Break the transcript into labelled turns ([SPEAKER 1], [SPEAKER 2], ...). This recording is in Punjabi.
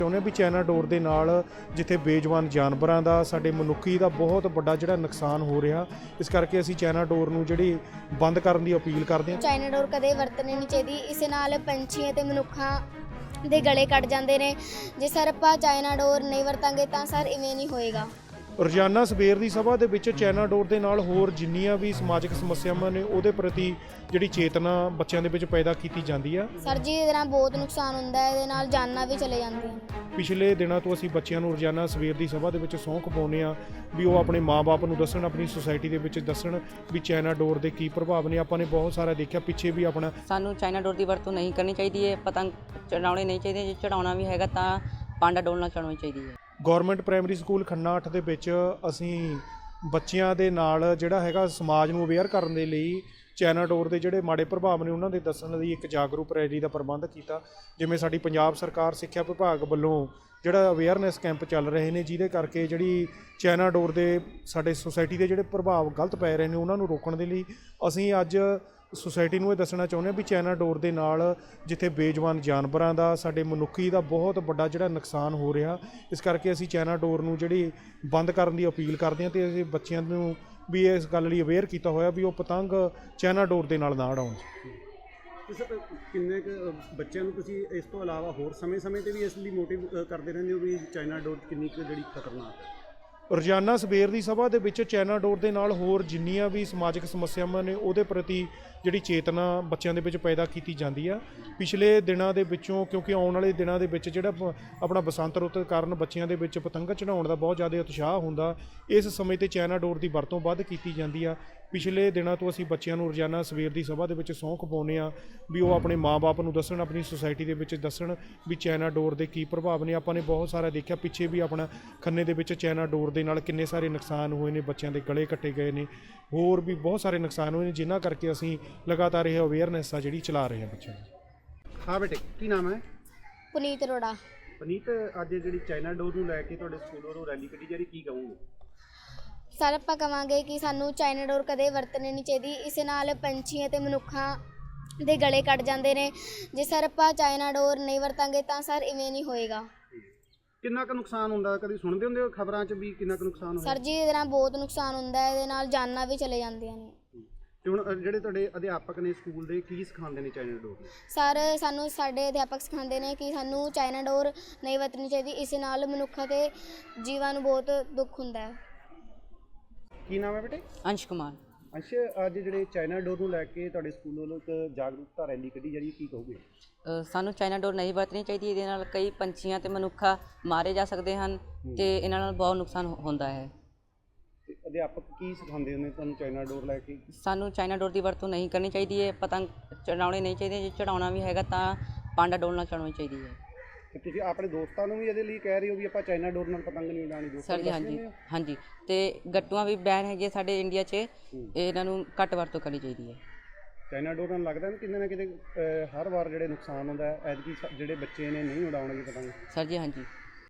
[SPEAKER 1] ਚਾਹੁੰਦੇ ਵੀ ਚਾਈਨਾ ਡੋਰ ਦੇ ਨਾਲ ਜਿੱਥੇ ਬੇਜਵਾਨ ਜਾਨਵਰਾਂ ਦਾ ਸਾਡੇ ਮਨੁੱਖੀ ਦਾ ਬਹੁਤ ਵੱਡਾ ਜਿਹੜਾ ਨੁਕਸਾਨ ਹੋ ਰਿਹਾ, ਇਸ ਕਰਕੇ ਅਸੀਂ ਚਾਈਨਾ ਡੋਰ ਨੂੰ ਜਿਹੜੀ ਬੰਦ ਕਰਨ ਦੀ ਅਪੀਲ ਕਰਦੇ ਹਾਂ।
[SPEAKER 2] ਚਾਈਨਾ ਡੋਰ ਕਦੇ ਵਰਤਣੀ ਨਹੀਂ ਚਾਹੀਦੀ। ਇਸ ਨਾਲ ਪੰਛੀ ਅਤੇ ਮਨੁੱਖਾਂ ਦੇ ਗਲੇ ਕੱਟ ਜਾਂਦੇ ਨੇ। ਜੇ ਸਰ ਆਪਾਂ ਚਾਈਨਾ ਡੋਰ ਨਹੀਂ ਵਰਤਾਂਗੇ ਤਾਂ ਸਰ ਇਵੇਂ ਨਹੀਂ ਹੋਏਗਾ।
[SPEAKER 1] ਰੋਜ਼ਾਨਾ ਸਵੇਰ ਦੀ ਸਭਾ ਦੇ ਵਿੱਚ ਚਾਈਨਾ ਡੋਰ ਦੇ ਨਾਲ ਹੋਰ ਜਿੰਨੀਆਂ ਵੀ ਸਮਾਜਿਕ ਸਮੱਸਿਆਵਾਂ ਨੇ ਉਹਦੇ ਪ੍ਰਤੀ ਜਿਹੜੀ ਚੇਤਨਾ ਬੱਚਿਆਂ ਦੇ ਵਿੱਚ ਪੈਦਾ ਕੀਤੀ ਜਾਂਦੀ ਆ।
[SPEAKER 2] ਸਰ ਜੀ ਇਹਦੇ ਨਾਲ ਬਹੁਤ ਨੁਕਸਾਨ ਹੁੰਦਾ ਹੈ, ਇਹਦੇ ਨਾਲ ਜਾਨਾਂ ਵੀ ਚਲੇ ਜਾਂਦੀਆਂ।
[SPEAKER 1] ਪਿਛਲੇ ਦਿਨਾਂ ਤੋਂ ਅਸੀਂ ਬੱਚਿਆਂ ਨੂੰ ਰੋਜ਼ਾਨਾ ਸਵੇਰ ਦੀ ਸਭਾ ਦੇ ਵਿੱਚ ਸਹੁੰ ਖਵਾਉਂਦੇ ਆ ਵੀ ਉਹ ਆਪਣੇ ਮਾਂ-ਬਾਪ ਨੂੰ ਦੱਸਣ, ਆਪਣੀ ਸੁਸਾਇਟੀ ਦੇ ਵਿੱਚ ਦੱਸਣ ਵੀ ਚਾਈਨਾ ਡੋਰ ਦੇ ਕੀ ਪ੍ਰਭਾਵ ਨੇ। ਆਪਾਂ ਨੇ ਬਹੁਤ ਸਾਰਾ ਦੇਖਿਆ ਪਿੱਛੇ ਵੀ ਆਪਣਾ
[SPEAKER 3] ਸਾਨੂੰ ਚਾਈਨਾ ਡੋਰ ਦੀ ਵਰਤੋਂ ਨਹੀਂ ਕਰਨੀ ਚਾਹੀਦੀ ਹੈ। ਪਤੰਗ ਚੜਾਉਣੇ ਨਹੀਂ ਚਾਹੀਦੇ, ਜੇ ਚੜਾਉਣਾ ਵੀ ਹੈਗਾ ਤਾਂ ਪਾਂਡਾ ਡੋਲ ਨਾਲ ਚੜਾਉਣੀ ਚਾਹੀਦੀ ਹੈ।
[SPEAKER 1] ਗੌਰਮੈਂਟ ਪ੍ਰਾਇਮਰੀ ਸਕੂਲ ਖੰਨਾ 8 ਦੇ ਵਿੱਚ ਅਸੀਂ ਬੱਚਿਆਂ ਦੇ ਨਾਲ ਜਿਹੜਾ ਹੈਗਾ ਸਮਾਜ ਨੂੰ ਅਵੇਅਰ ਕਰਨ ਦੇ ਲਈ ਚਾਈਨਾ ਡੋਰ ਦੇ ਜਿਹੜੇ ਮਾੜੇ ਪ੍ਰਭਾਵ ਨੇ ਉਹਨਾਂ ਦੇ ਦੱਸਣ ਲਈ ਇੱਕ ਜਾਗਰੂਕ ਰੈਲੀ ਦਾ ਪ੍ਰਬੰਧ ਕੀਤਾ। ਜਿਵੇਂ ਸਾਡੀ ਪੰਜਾਬ ਸਰਕਾਰ ਸਿੱਖਿਆ ਵਿਭਾਗ ਵੱਲੋਂ ਜਿਹੜਾ ਅਵੇਅਰਨੈਸ ਕੈਂਪ ਚੱਲ ਰਹੇ ਨੇ, ਜਿਹਦੇ ਕਰਕੇ ਜਿਹੜੀ ਚਾਈਨਾ ਡੋਰ ਦੇ ਸਾਡੇ ਸੁਸਾਇਟੀ ਦੇ ਜਿਹੜੇ ਪ੍ਰਭਾਵ ਗਲਤ ਪੈ ਰਹੇ ਨੇ ਉਹਨਾਂ ਨੂੰ ਰੋਕਣ ਦੇ ਲਈ ਅਸੀਂ ਅੱਜ ਸੁਸਾਇਟੀ ਨੂੰ ਇਹ ਦੱਸਣਾ ਚਾਹੁੰਦੇ ਹਾਂ ਵੀ ਚਾਈਨਾ ਡੋਰ ਦੇ ਨਾਲ ਜਿੱਥੇ ਬੇਜਵਾਨ ਜਾਨਵਰਾਂ ਦਾ ਸਾਡੇ ਮਨੁੱਖੀ ਦਾ ਬਹੁਤ ਵੱਡਾ ਜਿਹੜਾ ਨੁਕਸਾਨ ਹੋ ਰਿਹਾ, ਇਸ ਕਰਕੇ ਅਸੀਂ ਚਾਈਨਾ ਡੋਰ ਨੂੰ ਜਿਹੜੀ ਬੰਦ ਕਰਨ ਦੀ ਅਪੀਲ ਕਰਦੇ ਹਾਂ ਤੇ ਅਸੀਂ ਬੱਚਿਆਂ ਨੂੰ ਵੀ ਇਸ ਗੱਲ ਲਈ ਅਵੇਅਰ ਕੀਤਾ ਹੋਇਆ ਵੀ ਉਹ ਪਤੰਗ ਚਾਈਨਾ ਡੋਰ ਦੇ ਨਾਲ ਨਾ ਉਡਾਉਣ।
[SPEAKER 4] ਕਿੰਨੇ ਕੁ ਬੱਚਿਆਂ ਨੂੰ ਤੁਸੀਂ ਇਸ ਤੋਂ ਇਲਾਵਾ ਹੋਰ ਸਮੇਂ-ਸਮੇਂ ਤੇ ਵੀ ਇਸ ਲਈ ਮੋਟਿਵ ਕਰਦੇ ਰਹਿੰਦੇ ਹੋ ਵੀ ਚਾਈਨਾ ਡੋਰ ਕਿੰਨੀ ਕੁ ਜਿਹੜੀ ਖਤਰਨਾਕ ਹੈ?
[SPEAKER 1] ਰੋਜ਼ਾਨਾ ਸਵੇਰ ਦੀ ਸਭਾ ਦੇ ਵਿੱਚ ਚਾਈਨਾ ਡੋਰ ਦੇ ਨਾਲ ਹੋਰ ਜਿੰਨੀਆਂ ਵੀ ਸਮਾਜਿਕ ਸਮੱਸਿਆਵਾਂ ਨੇ ਉਹਦੇ ਪ੍ਰਤੀ ਜਿਹੜੀ ਚੇਤਨਾ ਬੱਚਿਆਂ ਦੇ ਵਿੱਚ ਪੈਦਾ ਕੀਤੀ ਜਾਂਦੀ ਆ। ਪਿਛਲੇ ਦਿਨਾਂ ਦੇ ਵਿੱਚੋਂ ਕਿਉਂਕਿ ਆਉਣ ਵਾਲੇ ਦਿਨਾਂ ਦੇ ਵਿੱਚ ਜਿਹੜਾ ਆਪਣਾ ਬਸੰਤ ਰੁੱਤ ਕਾਰਨ ਬੱਚਿਆਂ ਦੇ ਵਿੱਚ ਪਤੰਗ ਚੜਾਉਣ ਦਾ ਬਹੁਤ ਜ਼ਿਆਦਾ ਉਤਸ਼ਾਹ ਹੁੰਦਾ, ਇਸ ਸਮੇਂ ਤੇ ਚਾਈਨਾ ਡੋਰ ਦੀ ਵਰਤੋਂ ਵੱਧ ਕੀਤੀ ਜਾਂਦੀ ਆ। ਪਿਛਲੇ ਦਿਨਾਂ ਤੋਂ ਅਸੀਂ ਬੱਚਿਆਂ ਨੂੰ ਰੋਜ਼ਾਨਾ ਸਵੇਰ ਦੀ ਸਭਾ ਦੇ ਵਿੱਚ ਸਹੁੰ ਖਵਾਉਂਦੇ ਆ ਵੀ ਉਹ ਆਪਣੇ ਮਾਂ-ਬਾਪ ਨੂੰ ਦੱਸਣ, ਆਪਣੀ ਸੁਸਾਇਟੀ ਦੇ ਵਿੱਚ ਦੱਸਣ ਵੀ ਚਾਈਨਾ ਡੋਰ ਦੇ ਕੀ ਪ੍ਰਭਾਵ ਨੇ। ਆਪਾਂ ਨੇ ਬਹੁਤ ਸਾਰਾ ਦੇਖਿਆ ਪਿੱਛੇ ਵੀ ਆਪਣਾ ਖੰਨੇ ਦੇ ਵਿੱਚ ਚਾਈਨਾ ਡੋਰ ਦੇ ਨਾਲ ਕਿੰਨੇ ਸਾਰੇ ਨੁਕਸਾਨ ਹੋਏ ਨੇ, ਬੱਚਿਆਂ ਦੇ ਗਲੇ ਕੱਟੇ ਗਏ ਨੇ, ਹੋਰ ਵੀ ਬਹੁਤ ਸਾਰੇ ਨੁਕਸਾਨ ਹੋਏ ਨੇ, ਜਿਨ੍ਹਾਂ ਕਰਕੇ ਅਸੀਂ ਲਗਾਤਾਰ ਇਹ ਅਵੇਅਰਨੈਸ ਆ ਜਿਹੜੀ ਚਲਾ ਰਹੇ ਹਾਂ ਬੱਚਿਆਂ ਨੂੰ।
[SPEAKER 4] ਹਾਂ ਬੇਟੇ, ਕੀ ਨਾਮ ਹੈ?
[SPEAKER 2] ਪੁਨੀਤ ਅਰੋੜਾ।
[SPEAKER 4] ਪਨੀਤ, ਅੱਜ ਜਿਹੜੀ ਚਾਈਨਾ ਡੋਰ ਨੂੰ ਲੈ ਕੇ ਤੁਹਾਡੇ ਸਕੂਲ ਵੱਲੋਂ ਰੈਲੀ ਕੱਢੀ ਜਾ ਰਹੀ, ਕੀ ਕਹੋਗੇ?
[SPEAKER 2] ਸਰ ਆਪਾਂ ਕਹਾਂਗੇ ਕਿ ਸਾਨੂੰ ਚਾਈਨਾ ਡੋਰ ਕਦੇ ਵਰਤਣੀ ਨਹੀਂ ਚਾਹੀਦੀ। ਇਸ ਨਾਲ ਪੰਛੀ ਅਤੇ ਮਨੁੱਖਾਂ ਦੇ ਗਲੇ ਕੱਟ ਜਾਂਦੇ ਨੇ। ਜੇ ਸਰ ਆਪਾਂ ਚਾਈਨਾ ਡੋਰ ਨਹੀਂ ਵਰਤਾਂਗੇ ਤਾਂ ਸਰ ਇਵੇਂ ਨਹੀਂ ਹੋਏਗਾ।
[SPEAKER 4] ਕਿੰਨਾ ਕੁ ਨੁਕਸਾਨ ਹੁੰਦਾ? ਕਦੀ ਸੁਣਦੇ ਹੁੰਦੇ ਹੋ ਖਬਰਾਂ 'ਚ ਵੀ ਕਿੰਨਾ ਕੁ ਨੁਕਸਾਨ ਹੋਇਆ?
[SPEAKER 2] ਸਰ ਜੀ ਇਹਦੇ ਨਾਲ ਬਹੁਤ ਨੁਕਸਾਨ ਹੁੰਦਾ ਹੈ, ਇਹਦੇ ਨਾਲ ਜਾਨਾਂ ਵੀ ਚਲੇ ਜਾਂਦੀਆਂ ਨੇ।
[SPEAKER 4] ਤੇ ਹੁਣ ਜਿਹੜੇ ਤੁਹਾਡੇ ਅਧਿਆਪਕ ਨੇ ਸਕੂਲ ਦੇ, ਕੀ ਸਿਖਾਉਂਦੇ ਨੇ ਚਾਈਨਾ ਡੋਰ ਨੂੰ?
[SPEAKER 2] ਸਰ ਸਾਨੂੰ ਸਾਡੇ ਅਧਿਆਪਕ ਸਿਖਾਉਂਦੇ ਨੇ ਕਿ ਸਾਨੂੰ ਚਾਈਨਾ ਡੋਰ ਨਹੀਂ ਵਰਤਣੀ ਚਾਹੀਦੀ। ਇਸ ਨਾਲ ਮਨੁੱਖਾਂ ਤੇ ਜੀਵਾਂ ਨੂੰ ਬਹੁਤ ਦੁੱਖ ਹੁੰਦਾ ਹੈ।
[SPEAKER 4] ਕੀ ਨਾਮ ਹੈ ਬੇਟੇ?
[SPEAKER 3] ਅੰਸ਼ ਕੁਮਾਰ।
[SPEAKER 4] ਅੱਛਾ, ਅੱਜ ਜਿਹੜੇ ਚਾਈਨਾ ਡੋਰ ਨੂੰ ਲੈ ਕੇ ਤੁਹਾਡੇ ਸਕੂਲ ਵੱਲੋਂ ਇੱਕ ਜਾਗਰੂਕਤਾ ਰੈਲੀ ਕੱਢੀ ਜਾ ਰਹੀ ਹੈ, ਕੀ ਕਹੋਗੇ?
[SPEAKER 3] ਸਾਨੂੰ ਚਾਈਨਾ ਡੋਰ ਨਹੀਂ ਵਰਤਣੀ ਚਾਹੀਦੀ। ਇਹਦੇ ਨਾਲ ਕਈ ਪੰਛੀਆਂ ਤੇ ਮਨੁੱਖਾ ਮਾਰੇ ਜਾ ਸਕਦੇ ਹਨ ਤੇ ਇਹਨਾਂ ਨਾਲ ਬਹੁਤ ਨੁਕਸਾਨ ਹੁੰਦਾ ਹੈ।
[SPEAKER 4] ਤੇ ਅਧਿਆਪਕ ਕੀ ਸਿਖਾਉਂਦੇ ਨੇ ਤੁਹਾਨੂੰ ਚਾਈਨਾ ਡੋਰ ਲੈ ਕੇ?
[SPEAKER 3] ਸਾਨੂੰ ਚਾਈਨਾ ਡੋਰ ਦੀ ਵਰਤੋਂ ਨਹੀਂ ਕਰਨੀ ਚਾਹੀਦੀ ਹੈ। ਪਤੰਗ ਚੜਾਉਣੇ ਨਹੀਂ ਚਾਹੀਦੇ, ਜੇ ਚੜਾਉਣਾ ਵੀ ਹੈਗਾ ਤਾਂ ਪਾਂਡਾ ਡੋਲ ਨਾਲ ਚੜਾਉਣੀ ਚਾਹੀਦੀ ਹੈ।
[SPEAKER 4] ਤੇ ਤੁਸੀਂ ਆਪਣੇ ਦੋਸਤਾਂ ਨੂੰ ਵੀ ਇਹਦੇ ਲਈ ਕਹਿ ਰਹੇ ਹੋ ਵੀ ਆਪਾਂ ਚਾਈਨਾ ਡੋਰ ਨਾਲ ਪਤੰਗ ਨਹੀਂ ਉਡਾਉਣੀ?
[SPEAKER 3] ਸਰ ਜੀ ਹਾਂਜੀ। ਤੇ ਗੱਟੂਆਂ ਵੀ ਬੈਨ ਹੈਗੇ ਸਾਡੇ ਇੰਡੀਆ 'ਚ, ਇਹਨਾਂ ਨੂੰ ਘੱਟ ਵਰਤੋਂ ਕਰਨੀ ਚਾਹੀਦੀ ਹੈ।
[SPEAKER 4] ਚਾਈਨਾ ਡੋਰ ਨਾਲ ਲੱਗਦਾ ਕਿਤੇ ਨਾ ਕਿਤੇ ਹਰ ਵਾਰ ਜਿਹੜੇ ਨੁਕਸਾਨ ਹੁੰਦਾ ਹੈ, ਐਤਕੀ ਜਿਹੜੇ ਬੱਚੇ ਨੇ ਨਹੀਂ ਉਡਾਉਣਗੇ ਪਤੰਗ।
[SPEAKER 3] ਸਰ ਜੀ ਹਾਂਜੀ।